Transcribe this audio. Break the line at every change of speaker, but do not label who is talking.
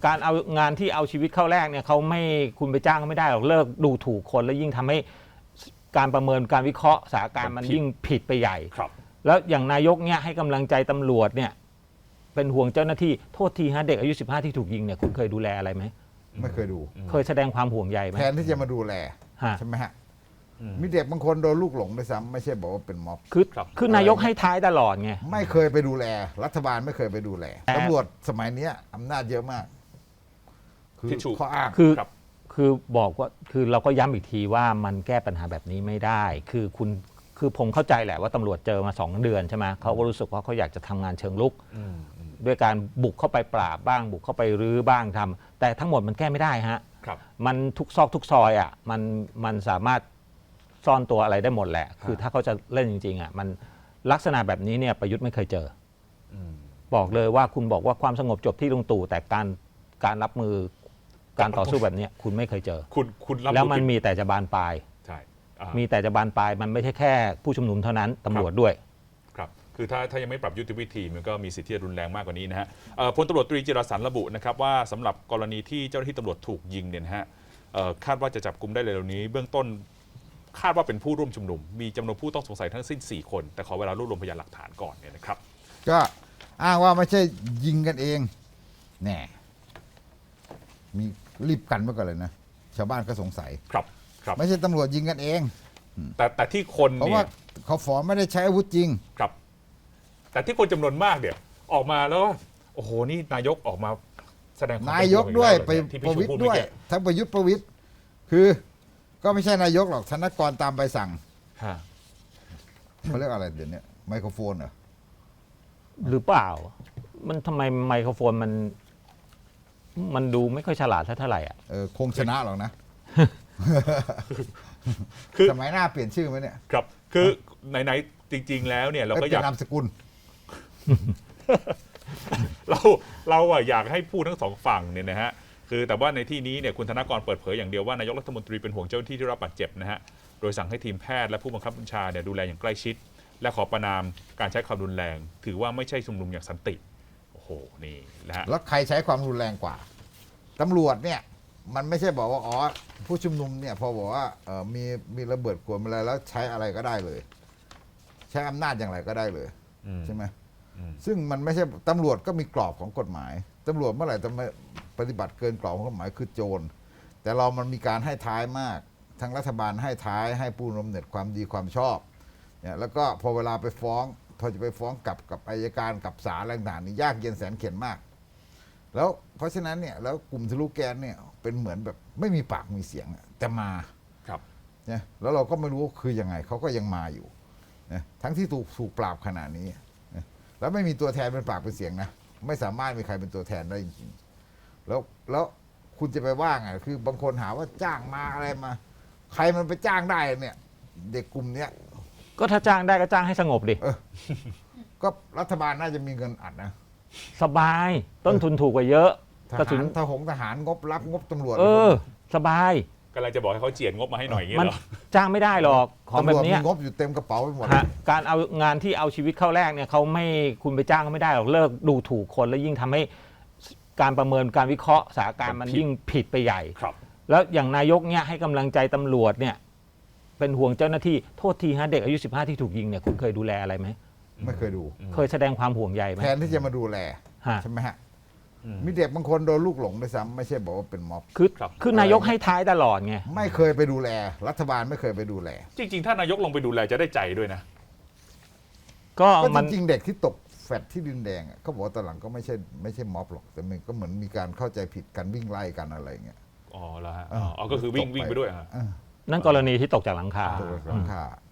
การเอางานที่เอาชีวิตเข้าแรกเนี่ยเขาไม่คุณไปจ้างเขาไม่ได้หรอกเลิกดูถูกคนแล้วยิ่งทำให้การประเมินการวิเคราะห์สถานการณ์มันยิ่งผิดไปใหญ่แล้วอย่างนายกเนี่ยให้กำลังใจตำรวจเนี่ยเป็นห่วงเจ้าหน้าที่โทษทีฮะเด็กอายุ15ที่ถูกยิงเนี่ยคุณเคยดูแลอะไรไหม
ไม่เคยดู
เคยแสดงความห่วงใยไหม
แทนที่จะมาดูแลใช่ไหมฮะมีเด็กบางคนโดนลูกหลงด้วยซ้ำไม่ใช่บอกว่าเป็นม็อบ
คือนายกให้ท้ายตลอดไง
ไม่เคยไปดูแลรัฐบาลไม่เคยไปดูแลตำรวจสมัยนี้อำนาจเยอะมาก
คือ
ข้ออ้าง
คือบอกว่าคือเราก็ย้ำอีกทีว่ามันแก้ปัญหาแบบนี้ไม่ได้คือผมเข้าใจแหละว่าตำรวจเจอมา2 เดือนใช่ไหมเขาก็รู้สึกว่าเขาอยากจะทำงานเชิงลุกด้วยการบุกเข้าไปปราบบ้างบุกเข้าไปรื้อบ้างทำแต่ทั้งหมดมันแก้ไม่ได้ฮะมันทุกซอกทุกซอยอ่ะมันสามารถซ่อนตัวอะไรได้หมดแหละคือถ้าเขาจะเล่นจริงๆอ่ะมันลักษณะแบบนี้เนี่ยประยุทธ์ไม่เคยเจอบอกเลยว่าคุณบอกว่าความสงบจบที่ลุงตู่แต่การรับมือการต่อสู้แบบนี้คุณไม่เคยเจอ
คุณ
แล้วมันมีแต่จะบานปลาย
ใช่
มีแต่จะบานปลายมันไม่ใช่แค่ผู้ชุมนุมเท่านั้นตำรวจด้วย
ครับคือถ้ายังไม่ปรับยุทธวิธีมันก็มีสิทธิ์ที่จะรุนแรงมากกว่านี้นะฮะพลตำรวจตรีจิรสันระบุนะครับว่าสำหรับกรณีที่เจ้าหน้าที่ตำรวจถูกยิงเนี่ยนะฮะคาดว่าจะจับกุมได้เร็วนี้เบื้องต้นคาดว่าเป็นผู้ร่วมชุมนุมมีจำนวนผู้ต้องสงสัยทั้งสิ้น4 คนแต่ขอเวลารวบรวมพยานหลักฐานก่อนเนี่ยนะครับ
ก็อ้างว่าไม่ใช่ยิงกันเองแน่มีรีบกันไว้ก่อนเลยนะชาวบ้านก็สงสัย
ครับ
ไม่ใช่ตำรวจยิงกันเอง
แต่ที่คน
เพราะว่าเขาฟ้องไม่ได้ใช้อาวุธจริง
ครับแต่ที่คนจำนวนมากเนี่ยออกมาแล้วโอ้โหนี่นายกออกมาแสดง
นายกด้วยไปประวิตรด้วยทั้งประยุทธ์ประวิตรคือก็ไม่ใช่นายกหรอกธนกรตามใบสั่งเขาเรียกอะไรเดี๋ยวนี้ไมโครโฟนเหรอ
หรือเปล่ามันทำไมไมโครโฟนมันดูไม่ค่อยฉลาดเท่าไหร่อ่ะ
คงชนะหรอกนะสมัยหน้าเปลี่ยนชื่อไหมเนี่ย
ครับคือไหนๆจริงๆแล้วเนี่ยเราก็อยาก
นามสกุล
เราอยากให้พูดทั้งสองฝั่งเนี่ยนะฮะคือแต่ว่าในที่นี้เนี่ยคุณธนกรเปิดเผยอย่างเดียวว่านายกรัฐมนตรีเป็นห่วงเจ้าหน้าที่ที่รับบาดเจ็บนะฮะโดยสั่งให้ทีมแพทย์และผู้บังคับบัญชาเนี่ยดูแลอย่างใกล้ชิดและขอประณามการใช้ความรุนแรงถือว่าไม่ใช่ชุมนุมอย่างสันติโอ้โหนี่นะฮะ
แล้วใครใช้ความรุนแรงกว่าตำรวจเนี่ยมันไม่ใช่บอกว่าผู้ชุมนุมเนี่ยพอบอกว่ามีระเบิดขวดอะไรแล้วใช้อะไรก็ได้เลยใช้อำนาจอย่างไรก็ได้เลยใช่ไหมซึ่งมันไม่ใช่ตำรวจก็มีกรอบของกฎหมายตำรวจเมื่อไหร่จะมาปฏิบัติเกินกรอบของกฎหมายคือโจรแต่มันมีการให้ท้ายมากทางรัฐบาลให้ท้ายให้ผู้ร่วมเหน็จความดีความชอบเนี่ยแล้วก็พอเวลาไปฟ้องพอจะไปฟ้องกับอัยการกับศาลอะไรต่างๆนี่ยากเย็นแสนเข็ญมากแล้วเพราะฉะนั้นเนี่ยแล้วกลุ่มทะลุแก๊สเนี่ยเป็นเหมือนแบบไม่มีปากมีเสียงแต่มา
ครับ
เนี่ยแล้วเราก็ไม่รู้คือยังไงเขาก็ยังมาอยู่นะทั้งที่ถูกปราบขนาดนี้นะแล้วไม่มีตัวแทนเป็นปากเป็นเสียงนะไม่สามารถมีใครเป็นตัวแทนได้จริงๆแล้วคุณจะไปว่าไงคือบางคนหาว่าจ้างมาอะไรมาใครมันไปจ้างได้เนี่ยเด็กกลุ่มเนี้ย
ก็ถ้าจ้างได้ก็จ้างให้สงบดิ
ก็รัฐบาลน่าจะมีเงินอัดนะ
สบายต้นทุนถูกกว่าเยอะ
กระสุนทหารงบรับงบตำรวจ
สบาย
กำลังจะบอกให้เขาเจียดงบมาให้หน่อยอย่างเงี้ยเหรอ
จ้างไม่ได้หรอกของแบบนี้
งบอยู่เต็มกระเป๋าไปหมด
การเอางานที่เอาชีวิตเข้าแรกเนี่ยเขาไม่คุณไปจ้างเขาไม่ได้หรอกเลิกดูถูกคนแล้วยิ่งทำให้การประเมินการวิเคราะห์สถานการณ์มันยิ่งผิดไปใหญ่แล้วอย่างนายกเนี่ยให้กำลังใจตำรวจเนี่ยเป็นห่วงเจ้าหน้าที่โทษทีฮะเด็กอายุ15ที่ถูกยิงเนี่ยคุณเคยดูแลอะไรไหม
ไม่เคยดู
เคยแสดงความห่วงใยไหม
แทนที่จะมาดูแลใช่ไหมฮะมีเด็กบางคนโดนลูกหลงด้วยซ้ำไม่ใช่บอกว่าเป็นม็อบ
คือนายกให้ท้ายตลอดไง
ไม่เคยไปดูแลรัฐบาลไม่เคยไปดูแล
จริงๆถ้านายกลงไปดูแลจะได้ใจด้วยนะ
ก็จริงๆเด็กที่ตกแฟดที่ดินแดงเขาบอกตอนหลังก็ไม่ใช่ม็อบหรอกแต่มันก็เหมือนมีการเข้าใจผิดกันวิ่งไล่กันอะไรเงี้ย
อ๋อแล้วฮะก็คือวิ่งไปด้วย
นั่นกรณีที่ตกจากหลังคา